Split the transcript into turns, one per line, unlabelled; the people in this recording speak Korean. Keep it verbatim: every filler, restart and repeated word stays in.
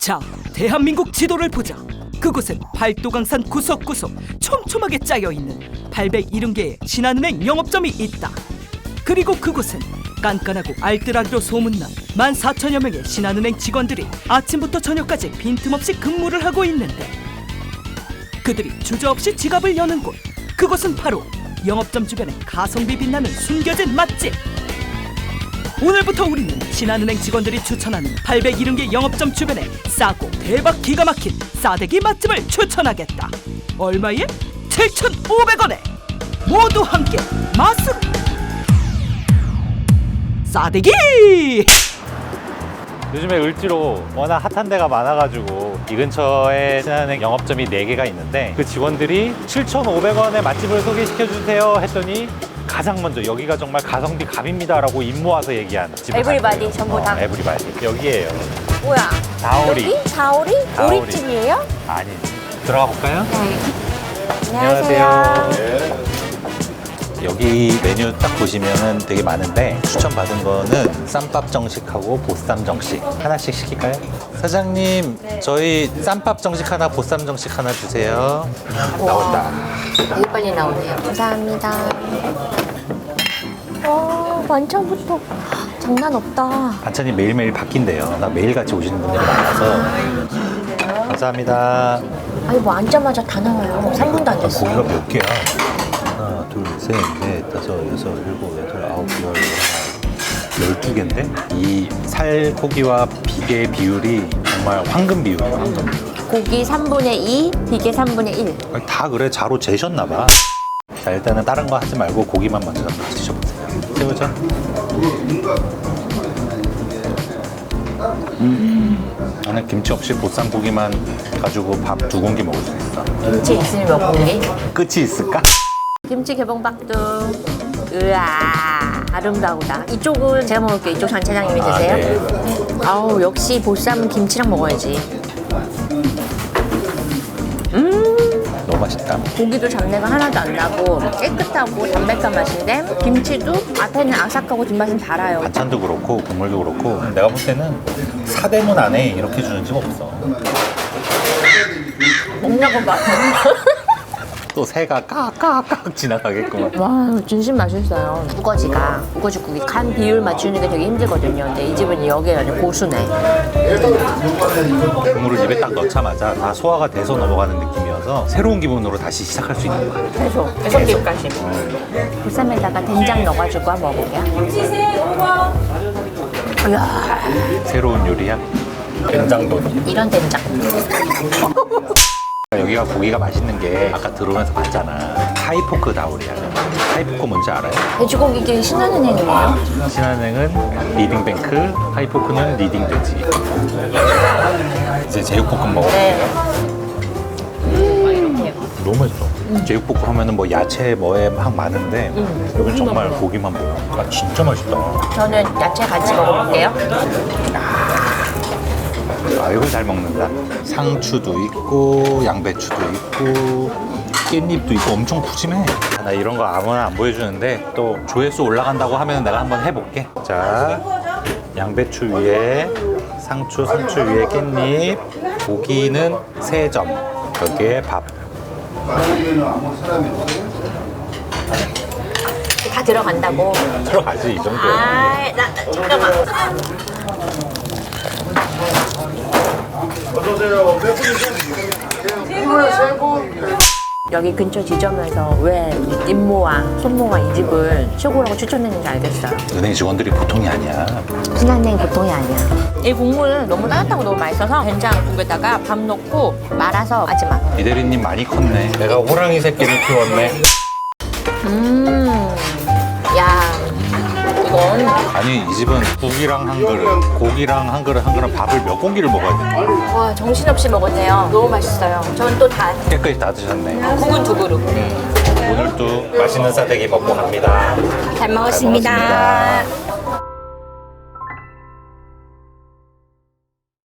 자, 대한민국 지도를 보자. 그곳엔 팔도강산 구석구석 촘촘하게 짜여있는 팔백칠십 개의 신한은행 영업점이 있다. 그리고 그곳엔 깐깐하고 알뜰하기로 소문난 만 사천여 명의 신한은행 직원들이 아침부터 저녁까지 빈틈없이 근무를 하고 있는데, 그들이 주저없이 지갑을 여는 곳, 그곳은 바로 영업점 주변에 가성비 빛나는 숨겨진 맛집. 오늘부터 우리는 신한은행 직원들이 추천하는 팔백칠십 개 영업점 주변에 싸고 대박 기가 막힌 싸대기 맛집을 추천하겠다. 얼마에? 칠천오백 원에 모두 함께 맛으로 싸대기!
요즘에 을지로 워낙 핫한 데가 많아가지고 이 근처에 신한은행 영업점이 네 개가 있는데, 그 직원들이 칠천오백 원에 맛집을 소개시켜주세요 했더니 가장 먼저 여기가 정말 가성비 갑입니다 라고 입 모아서 얘기한 집을
에브리바디
갔어요.
전부 다?
어, 에브리바디 여기에요.
뭐야?
다오리.
여기? 다오리?
다오리.
오리집이에요?
아니, 들어가 볼까요?
네. 안녕하세요.
여기 메뉴 딱 보시면은 되게 많은데, 추천받은 거는 쌈밥 정식하고 보쌈 정식 하나씩 시킬까요? 사장님,
네.
저희 쌈밥 정식 하나, 보쌈 정식 하나 주세요. 나온다.
되게 빨리 나오네요. 감사합니다. 와, 완창부터 장난 없다.
반찬이 매일매일 바뀐대요. 나 매일같이 오시는 분들이 많아서. 감사합니다.
아니 뭐 앉자마자 다 나와요. 삼 분도 안 됐어.
고기가 몇 개야? 하나, 둘, 셋, 넷, 다섯, 여섯, 일곱, 여덟, 아홉, 열, 열두 개인데? 이 살코기와 비계의 비율이 정말 황금 비율이에요, 황금 비율.
고기 삼분의 이, 비계 삼분의 일.
아니, 다 그래, 자로 재셨나봐. 자, 일단은 다른 거 하지 말고 고기만 먼저 한번 드셔보세요. 새우젓. 음. 나는 김치 없이 보쌈 고기만 가지고 밥 두 공기 먹을 수 있어.
김치 있으면 몇 공기?
끝이 있을까?
김치 개봉박두. 으아, 아름다우다. 이쪽은 제가 먹을게요. 이쪽 전 차장님이
아,
드세요.
네.
아우, 역시 보쌈은 김치랑 먹어야지.
너무 맛있다.
고기도 잡내가 하나도 안 나고 깨끗하고 담백한 맛인데, 김치도 앞에는 아삭하고 뒷맛은 달아요.
반찬도 그렇고 국물도 그렇고, 내가 볼 때는 사대문 안에 이렇게 주는 집 없어.
먹냐고 봐.
또 새가 까까까 지나가겠구만.
와, 진심 맛있어요. 우거지가, 우거지국이 간 비율 맞추는 게 되게 힘들거든요. 근데 이 집은 여기에 아주 고수네.
국물을 입에 딱 넣자마자 다 소화가 돼서 넘어가는 느낌이어서 새로운 기분으로 다시 시작할 수 있는 것 같아요.
계속, 계속 기까지 보쌈에다가 된장 넣어가지고 한번 먹어볼게요. 이야,
새로운 요리야? 된장도리.
이런 된장.
여기가 고기가 맛있는 게 아까 들어오면서 봤잖아. 하이포크 다우리야. 하이포크 뭔지 알아요?
돼지고기계 신한은행이에요?
신한은행은 리딩뱅크, 하이포크는 리딩돼지. 이제 제육볶음 먹어.
네.
너무 맛있어. 제육볶음 하면은 뭐 야채 뭐에 막 많은데, 여기 정말 고기만 보여. 아, 진짜 맛있다.
저는 야채 같이 먹어볼게요.
아, 이걸 잘 먹는다. 상추도 있고, 양배추도 있고, 깻잎도 있고, 엄청 푸짐해. 아, 나 이런 거 아무나 안 보여주는데, 또 조회수 올라간다고 하면 내가 한번 해볼게. 자, 양배추 위에 상추, 상추 위에 깻잎, 고기는 세 점, 여기에 밥.
다 들어간다고.
들어가지, 이 정도야.
아, 나, 나 잠깐만. 여기 근처 지점에서 왜 임모와 손모가 이 집을 최고라고 추천했는지 알겠어요.
은행 직원들이 보통이 아니야.
신한은행 보통이 아니야. 이 국물 너무 따뜻하고 너무 맛있어서 된장국에다가 밥 넣고 말아서 마지막.
이 대리님 많이 컸네. 내가 호랑이 새끼를 키웠네.
음, 야, 이건
아니, 이 집은 국이랑 한 그릇, 고기랑 한 그릇, 한 그릇 밥을 몇 공기를 먹어야 돼?
와 정신없이 먹었네요. 너무 맛있어요. 전 또 다
깨끗이 다 드셨네.
국은 두 그릇.
오늘도 맛있는 싸대기 먹고 갑니다.
잘 먹었습니다.
잘 먹었습니다.